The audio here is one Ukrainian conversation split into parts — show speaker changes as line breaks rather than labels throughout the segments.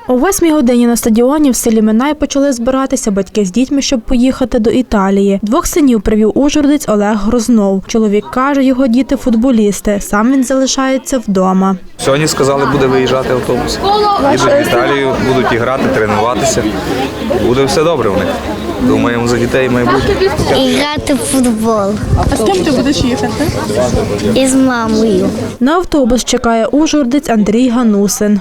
О 8 годині на стадіоні в селі Минай почали збиратися батьки з дітьми, щоб поїхати до Італії. Двох синів привів ужгородець Олег Грознов. Чоловік каже, його діти – футболісти. Сам він залишається вдома.
Сьогодні сказали, буде виїжджати автобус. Їдуть в Італію, будуть і грати, тренуватися. Буде все добре у них. Думаємо за дітей майбутнє.
І грати в футбол.
А з ким ти будеш їхати?
Із мамою.
На автобус чекає ужгородець Андрій Ганусин.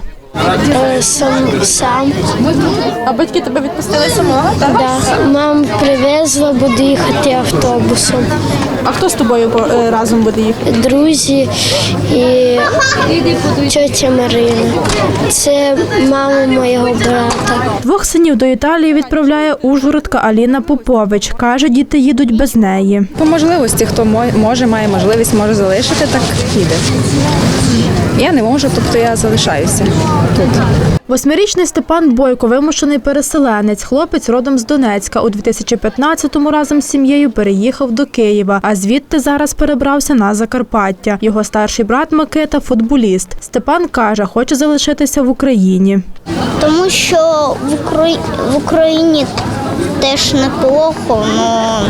Сам.
А батьки тебе відпустили самого?
Да. Мама привезла, буду їхати автобусом.
А хто з тобою разом буде їхати?
Друзі і тьотя Марина. Це мама моєго брата.
Двох синів до Італії відправляє ужгородка Аліна Попович. Каже, діти їдуть без неї.
По можливості, хто може, має можливість, може залишити, так їде. Я не можу, тобто я залишаюся тут.
8-річний Степан Бойко – вимушений переселенець. Хлопець родом з Донецька. У 2015-му разом з сім'єю переїхав до Києва, а звідти зараз перебрався на Закарпаття. Його старший брат Микита – футболіст. Степан каже, хоче залишитися в Україні.
Тому що в Україні теж неплохо, але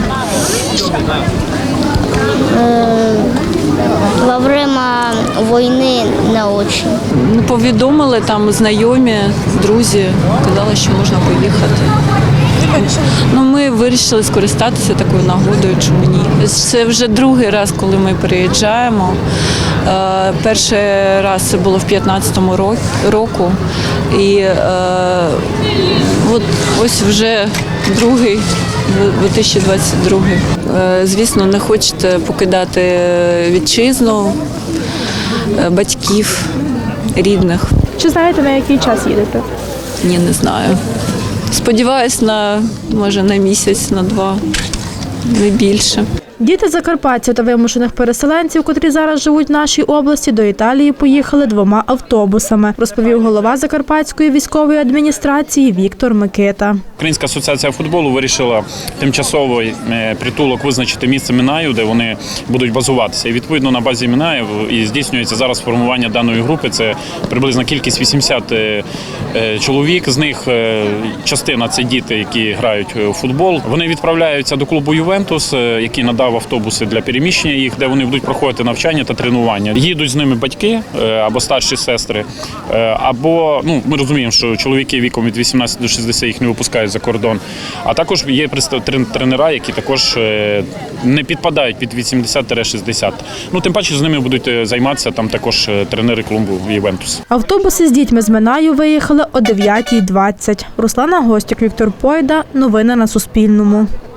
во время війни не дуже.
Повідомили там знайомі, друзі, казали, що можна поїхати. Ми вирішили скористатися такою нагодою, чому ні. Це вже другий раз, коли ми переїжджаємо. Перший раз це було в 2015 році. І ось вже другий, 2022. Звісно, не хочете покидати вітчизну, батьків, рідних.
Чи знаєте, на який час їдете?
Ні, не знаю. Сподіваюсь, може на місяць, на два, не більше.
Діти закарпатців та вимушених переселенців, котрі зараз живуть в нашій області, до Італії поїхали 2 автобусами, розповів голова Закарпатської військової адміністрації Віктор Микита.
Українська асоціація футболу вирішила тимчасовий притулок визначити місце Минаю, де вони будуть базуватися. І відповідно на базі Минаю і здійснюється зараз формування даної групи. Це приблизна кількість 80 чоловік. З них частина – це діти, які грають у футбол. Вони відправляються до клубу «Ювентус», який надав автобуси для переміщення їх, де вони будуть проходити навчання та тренування. Їдуть з ними батьки або старші сестри, або, ми розуміємо, що чоловіки віком від 18 до 60 їх не випускають за кордон. А також є тренера, які також не підпадають від 80-60. Тим паче з ними будуть займатися там також тренери клубу «Ювентус».
Автобуси з дітьми з Минаю виїхали о 9:20. Руслана Гостюк, Віктор Пойда. Новини на Суспільному.